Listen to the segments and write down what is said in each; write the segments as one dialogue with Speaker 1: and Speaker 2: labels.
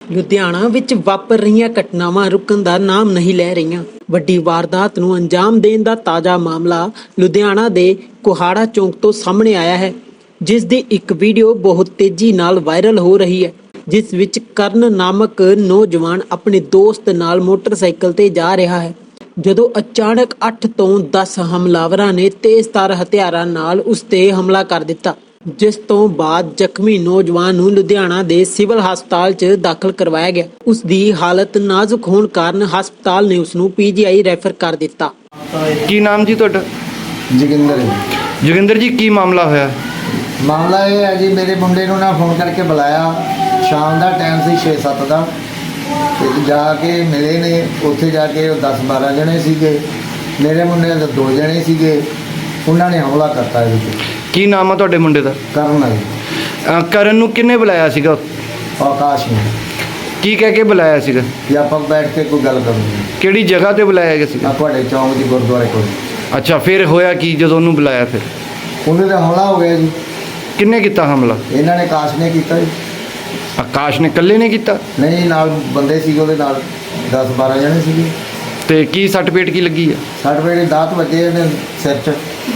Speaker 1: ਲੁਧਿਆਣਾ ਵਿੱਚ ਵਾਪਰ ਰਹੀਆਂ ਘਟਨਾਵਾਂ ਰੁਕਣ ਦਾ ਨਾਮ ਨਹੀਂ ਲੈ ਰਹੀਆਂ। ਵੱਡੀ ਵਾਰਦਾਤ ਨੂੰ ਅੰਜਾਮ ਦੇਣ ਦਾ ਤਾਜ਼ਾ ਮਾਮਲਾ ਲੁਧਿਆਣਾ ਦੇ ਕੁਹਾੜਾ ਚੌਂਕ ਤੋਂ ਸਾਹਮਣੇ ਆਇਆ ਹੈ, ਜਿਸ ਦੀ ਇੱਕ ਵੀਡੀਓ ਬਹੁਤ ਤੇਜ਼ੀ ਨਾਲ ਵਾਇਰਲ ਹੋ ਰਹੀ ਹੈ, ਜਿਸ ਵਿੱਚ ਕਰਨ ਨਾਮਕ ਨੌਜਵਾਨ ਆਪਣੇ ਦੋਸਤ ਨਾਲ ਮੋਟਰਸਾਈਕਲ ਤੇ ਜਾ ਰਿਹਾ ਹੈ, ਜਦੋਂ ਅਚਾਨਕ 8 ਤੋਂ 10 ਹਮਲਾਵਰਾਂ ਨੇ ਤੇਜ਼ਧਾਰ ਹਥਿਆਰਾਂ ਨਾਲ ਉਸ ਤੇ ਹਮਲਾ ਕਰ ਦਿੱਤਾ, ਜਿਸ ਤੋਂ ਬਾਅਦ ਜ਼ਖਮੀ ਨੌਜਵਾਨ ਨੂੰ ਲੁਧਿਆਣਾ ਦੇ ਸਿਵਲ ਹਸਪਤਾਲ 'ਚ ਦਾਖਲ ਕਰਵਾਇਆ ਗਿਆ। ਉਸ ਦੀ ਹਾਲਤ ਨਾਜ਼ੁਕ ਹੋਣ ਕਾਰਨ ਹਸਪਤਾਲ ਨੇ ਉਸ ਨੂੰ ਪੀਜੀਆਈ ਰੈਫਰ ਕਰ ਦਿੱਤਾ।
Speaker 2: ਕੀ ਨਾਮ ਜੀ ਤੁਹਾਡਾ? ਜੋਗਿੰਦਰ ਜੀ, ਕੀ ਮਾਮਲਾ ਹੋਇਆ?
Speaker 3: ਮਾਮਲਾ ਇਹ ਹੈ ਜੀ, ਮੇਰੇ ਮੁੰਡੇ ਨੂੰ ਨਾ ਫੋਨ ਕਰਕੇ ਬੁਲਾਇਆ, ਸ਼ਾਮ ਦਾ ਟਾਈਮ ਸੀ 6-7 ਦਾ, ਤੇ ਜਾ ਕੇ ਮਿਲੇ ਨੇ। ਉੱਥੇ ਜਾ ਕੇ 10-12 ਜਣੇ ਸੀਗੇ, ਮੇਰੇ ਮੁੰਡੇ ਦੇ 2 ਜਣੇ ਸੀਗੇ, ਉਹਨਾਂ ਨੇ ਹਮਲਾ ਕਰਤਾ।
Speaker 2: ਕੀ ਨਾਮ ਆ ਤੁਹਾਡੇ ਮੁੰਡੇ ਦਾ?
Speaker 3: ਕਰਨ ਆ ਜੀ।
Speaker 2: ਕਰਨ ਨੂੰ ਕਿੰਨੇ ਬੁਲਾਇਆ ਸੀਗਾ?
Speaker 3: ਆਕਾਸ਼ ਨੇ।
Speaker 2: ਕੀ ਕਹਿ ਕੇ ਬੁਲਾਇਆ ਸੀਗਾ?
Speaker 3: ਕਿ ਆਪਾਂ ਬੈਠ ਕੇ ਕੋਈ ਗੱਲ ਕਰਾਂਗੇ।
Speaker 2: ਕਿਹੜੀ ਜਗ੍ਹਾ ਤੇ ਬੁਲਾਇਆ ਗਿਆ ਸੀਗਾ?
Speaker 3: ਤੁਹਾਡੇ ਚੌਂਕ ਦੀ ਗੁਰਦੁਆਰੇ ਕੋਲ।
Speaker 2: ਅੱਛਾ, ਫਿਰ ਹੋਇਆ ਕੀ ਜਦੋਂ ਉਹਨੂੰ ਬੁਲਾਇਆ? ਫਿਰ
Speaker 3: ਉਹਨੇ ਦਾ ਹਮਲਾ ਹੋ ਗਿਆ ਜੀ।
Speaker 2: ਕਿੰਨੇ ਕੀਤਾ ਹਮਲਾ?
Speaker 3: ਇਹਨਾਂ ਨੇ, ਆਕਾਸ਼ ਨੇ ਕੀਤਾ ਜੀ।
Speaker 2: ਆਕਾਸ਼ ਨੇ ਇਕੱਲੇ ਨੇ ਕੀਤਾ?
Speaker 3: ਨਹੀਂ, ਨਾਲ ਬੰਦੇ ਸੀਗੇ ਉਹਦੇ ਨਾਲ, 10-12 ਜਣੇ ਸੀਗੇ।
Speaker 2: ਤੇ ਕੀ ਸੱਟ ਪੇਟ ਕੀ ਲੱਗੀ ਆ?
Speaker 3: ਸੱਟ ਪੇਟ ਦਾਤ ਵੱਜੇ ਨੇ ਸਿਰ 'ਚ।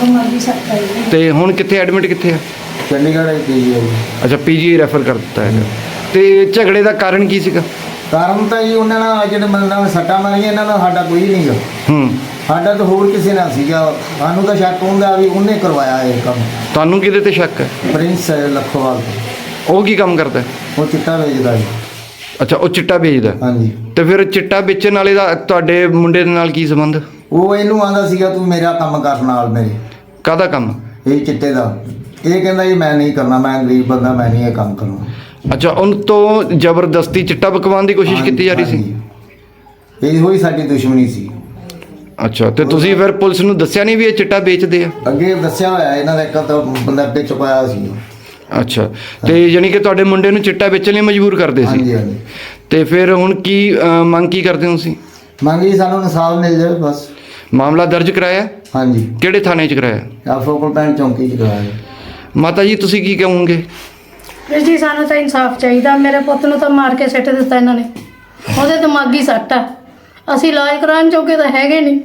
Speaker 2: ਤੇ ਹੁਣ ਕਿੱਥੇ ਐਡਮਿਟ ਕਿੱਥੇ ਆ?
Speaker 3: ਚੰਡੀਗੜ੍ਹ ਪੀਜੀ।
Speaker 2: ਅੱਛਾ, ਪੀਜੀ ਰੈਫਰ ਕਰ ਦਿੱਤਾ ਹੈਗਾ। ਤੇ ਝਗੜੇ ਦਾ ਕਾਰਨ ਕੀ ਸੀਗਾ?
Speaker 3: ਕਾਰਨ ਤਾਂ ਜੀ ਉਹਨਾਂ ਨਾਲ ਜਿਹੜੇ ਬੰਦਾ ਨੇ ਸੱਟਾਂ ਮਾਰੀਆਂ, ਇਹਨਾਂ ਦਾ ਸਾਡਾ ਕੋਈ ਨਹੀਂ ਗਾ। ਸਾਡਾ ਤਾਂ ਹੋਰ ਕਿਸੇ ਨਾਲ ਸੀਗਾ। ਸਾਨੂੰ ਤਾਂ ਸ਼ੱਕ ਹੁੰਦਾ ਵੀ ਉਹਨੇ ਕਰਵਾਇਆ ਇਹ ਕੰਮ।
Speaker 2: ਤੁਹਾਨੂੰ ਕਿਹਦੇ ਤੇ ਸ਼ੱਕ ਹੈ?
Speaker 3: ਪ੍ਰਿੰਸ ਲੱਖੋਵਾਲ।
Speaker 2: ਉਹ ਕੀ ਕੰਮ ਕਰਦਾ?
Speaker 3: ਉਹ ਚਿੱਟਾ ਵੇਚਦਾ ਜੀ।
Speaker 2: ਅੱਛਾ, ਉਹ ਚਿੱਟਾ ਵੇਚਦਾ?
Speaker 3: ਹਾਂਜੀ।
Speaker 2: ਤੇ ਫਿਰ ਚਿੱਟਾ ਵੇਚਣ ਵਾਲੇ ਦਾ ਤੁਹਾਡੇ ਮੁੰਡੇ ਦੇ ਨਾਲ ਕੀ ਸੰਬੰਧ?
Speaker 3: ਉਹ ਇਹਨੂੰ ਆਂਦਾ ਸੀਗਾ ਤੂੰ ਮੇਰਾ ਕੰਮ ਕਰ ਨਾਲ ਮੇਰੇ।
Speaker 2: ਕਾਹਦਾ ਕੰਮ? ਇਹ
Speaker 3: ਚਿੱਟੇ ਦਾ। ਇਹ ਕਹਿੰਦਾ ਜੀ ਮੈਂ ਨਹੀਂ ਕਰਨਾ, ਮੈਂ ਗਰੀਬ ਬੰਦਾ, ਮੈਂ ਨਹੀਂ ਇਹ ਕੰਮ ਕਰਨਾ।
Speaker 2: ਅੱਛਾ, ਉਹਨ ਤੋਂ ਜ਼ਬਰਦਸਤੀ ਚਿੱਟਾ ਪਕਵਾਉਣ ਦੀ ਕੋਸ਼ਿਸ਼ ਕੀਤੀ ਜਾ ਰਹੀ ਸੀ?
Speaker 3: ਇਹੋ ਹੀ ਸਾਡੀ ਦੁਸ਼ਮਣੀ ਸੀ।
Speaker 2: ਅੱਛਾ, ਤੇ ਤੁਸੀਂ ਫਿਰ ਪੁਲਿਸ ਨੂੰ ਦੱਸਿਆ ਨਹੀਂ ਵੀ ਇਹ ਚਿੱਟਾ ਵੇਚਦੇ ਆ?
Speaker 3: ਅੱਗੇ ਦੱਸਿਆ ਹੋਇਆ ਇਹਨਾਂ ਦਾ, ਇੱਕ ਤਾਂ ਬੰਦਾ ਵਿੱਚ ਪਾਇਆ ਸੀ।
Speaker 2: ਅੱਛਾ, ਤੇ ਯਾਨੀ ਕਿ ਤੁਹਾਡੇ ਮੁੰਡੇ ਨੂੰ ਚਿੱਟਾ ਵੇਚਣ ਲਈ ਮਜਬੂਰ ਕਰਦੇ ਸੀ?
Speaker 3: ਹਾਂਜੀ ਹਾਂਜੀ।
Speaker 2: ਤੇ ਫਿਰ ਹੁਣ ਕੀ ਮੰਗ ਕੀ ਕਰਦੇ ਹੋ ਤੁਸੀਂ?
Speaker 3: ਮੰਗ ਜੀ ਸਾਨੂੰ ਇਨਸਾਫ ਮਿਲ ਜਾਵੇ ਬਸ।
Speaker 2: ਮਾਮਲਾ ਦਰਜ ਕਰਾਇਆ?
Speaker 3: ਹਾਂਜੀ।
Speaker 2: ਕਿਹੜੇ ਥਾਣੇ 'ਚ ਕਰਾਇਆ?
Speaker 3: ਫੋਕਲ ਪੈਂਟ ਚੌਂਕੀ 'ਚ ਕਰਾਇਆ।
Speaker 2: ਮਾਤਾ ਜੀ, ਤੁਸੀਂ ਕੀ ਕਹੋਗੇ?
Speaker 4: ਜੀ ਸਾਨੂੰ ਤਾਂ ਇਨਸਾਫ ਚਾਹੀਦਾ। ਮੇਰੇ ਪੁੱਤ ਨੂੰ ਤਾਂ ਮਾਰ ਕੇ ਸਿੱਟ ਦਿੱਤਾ ਇਹਨਾਂ ਨੇ। ਉਹਦੇ ਦਿਮਾਗੀ ਸੱਟ ਆ। ਅਸੀਂ ਇਲਾਜ ਕਰਾਉਣ ਜੋਗੇ ਤਾਂ ਹੈਗੇ ਨਹੀਂ।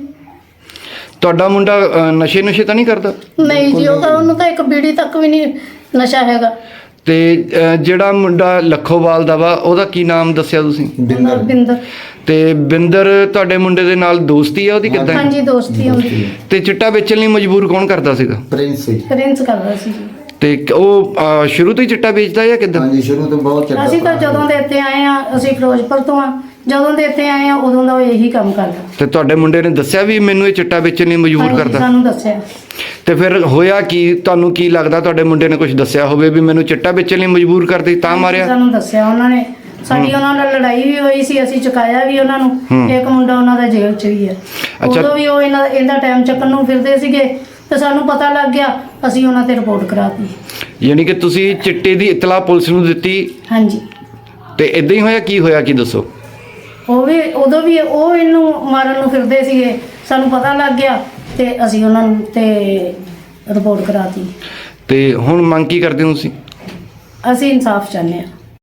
Speaker 2: ਤੁਹਾਡਾ ਮੁੰਡਾ ਨਸ਼ੇ ਤਾਂ ਨਹੀਂ ਕਰਦਾ?
Speaker 4: ਨਹੀਂ ਜੀ, ਉਹਨੂੰ ਤਾਂ ਇੱਕ ਬੀੜੀ ਤੱਕ ਵੀ ਨਹੀਂ ਨਸ਼ਾ ਹੈਗਾ।
Speaker 2: ਤੇ ਜਿਹੜਾ ਮੁੰਡਾ ਲੱਖੋਵਾਲ ਦਾ ਵਾ, ਉਹਦਾ ਕੀ ਨਾਮ ਦੱਸਿਆ ਤੁਸੀਂ?
Speaker 4: ਬਿੰਦਰ।
Speaker 2: ਤੇ ਬਿੰਦਰ ਤੁਹਾਡੇ ਮੁੰਡੇ ਦੇ ਨਾਲ ਦੋਸਤੀ ਆ ਉਹਦੀ? ਕਿੱਦਾਂ?
Speaker 4: ਹਾਂਜੀ, ਦੋਸਤੀ ਹੁੰਦੀ।
Speaker 2: ਤੇ ਚਿੱਟਾ ਵੇਚਣ ਲਈ ਮਜਬੂਰ ਕੌਣ ਕਰਦਾ ਸੀਗਾ?
Speaker 4: ਪ੍ਰਿੰਸ ਕਰਦਾ ਸੀ।
Speaker 2: ਤੇ ਉਹ ਸ਼ੁਰੂ ਤੋਂ ਹੀ ਚਿੱਟਾ ਵੇਚਦਾ ਜਾਂ ਕਿੱਦਾਂ?
Speaker 3: ਹਾਂਜੀ, ਸ਼ੁਰੂ ਤੋਂ ਬਹੁਤ ਚਿੱਟਾ।
Speaker 4: ਅਸੀਂ ਤਾਂ ਜਦੋਂ ਦੇ ਇੱਥੇ ਆਏ ਆ, ਅਸੀਂ ਫਿਰੋਜ਼ਪੁਰ ਤੋਂ ਆ, ਜਦੋਂ ਦੇ ਇੱਥੇ ਆਏ ਆ ਉਦੋਂ ਦਾ ਉਹ ਇਹੀ ਕੰਮ ਕਰਦਾ।
Speaker 2: ਤੇ ਤੁਹਾਡੇ ਮੁੰਡੇ ਨੇ ਦੱਸਿਆ ਵੀ ਮੈਨੂੰ ਇਹ ਚਿੱਟਾ ਵੇਚਣ ਲਈ ਮਜਬੂਰ ਕਰਦਾ?
Speaker 4: ਸਾਨੂੰ ਦੱਸਿਆ।
Speaker 2: ਤੇ ਫਿਰ ਹੋਇਆ ਕੀ? ਤੁਹਾਨੂੰ ਕੀ ਲੱਗਦਾ ਤੁਹਾਡੇ ਮੁੰਡੇ ਨੇ ਕੁਝ ਦੱਸਿਆ ਹੋਵੇ ਵੀ ਮੈਨੂੰ ਚਿੱਟਾ ਵੇਚਣ ਲਈ ਮਜਬੂਰ ਕਰਦੀ ਤਾਂ ਮਾਰਿਆ?
Speaker 4: ਸਾਨੂੰ ਦੱਸਿਆ ਉਹਨਾਂ ਨੇ। ਸਾਡੀ ਉਹਨਾਂ ਨਾਲ ਲੜਾਈ ਵੀ ਹੋਈ ਸੀ, ਅਸੀਂ ਚੁਕਾਇਆ ਵੀ ਉਹਨਾਂ ਨੂੰ। ਇੱਕ ਮੁੰਡਾ ਉਹਨਾਂ ਦਾ ਜੇਲ੍ਹ 'ਚ ਵੀ ਹੈ। ਉਦੋਂ ਵੀ ਉਹ ਇਹਦਾ ਟਾਈਮ ਚੱਕਣ ਨੂੰ ਫਿਰਦੇ ਸੀਗੇ, ਤੇ ਸਾਨੂੰ ਪਤਾ ਲੱਗ ਗਿਆ, ਅਸੀਂ ਉਹਨਾਂ ਤੇ ਰਿਪੋਰਟ ਕਰਾਤੀ।
Speaker 2: ਯਾਨੀ ਕਿ ਤੁਸੀਂ ਚਿੱਟੇ ਦੀ ਇਤਲਾਹ ਪੁਲਿਸ ਨੂੰ ਦਿੱਤੀ?
Speaker 4: ਹਾਂਜੀ।
Speaker 2: ਤੇ ਇਦਾਂ ਹੀ ਹੋਇਆ? ਕੀ ਹੋਇਆ, ਕੀ ਦੱਸੋ?
Speaker 4: ਉਦੋਂ ਵੀ ਉਹ ਇਹਨੂੰ ਮਾਰਨ ਨੂੰ ਫਿਰਦੇ ਸੀਗੇ, ਸਾਨੂੰ ਪਤਾ ਲੱਗ ਗਿਆ ਤੇ ਅਸੀਂ ਉਹਨਾਂ ਨੂੰ ਤੇ ਰਿਪੋਰਟ ਕਰਾਤੀ।
Speaker 2: ਤੇ ਹੁਣ ਮੰਗ ਕੀ ਕਰਦੇ ਹੋ ਤੁਸੀਂ?
Speaker 4: ਅਸੀਂ ਇਨਸਾਫ ਚਾਹੁੰਦੇ ਹਾਂ।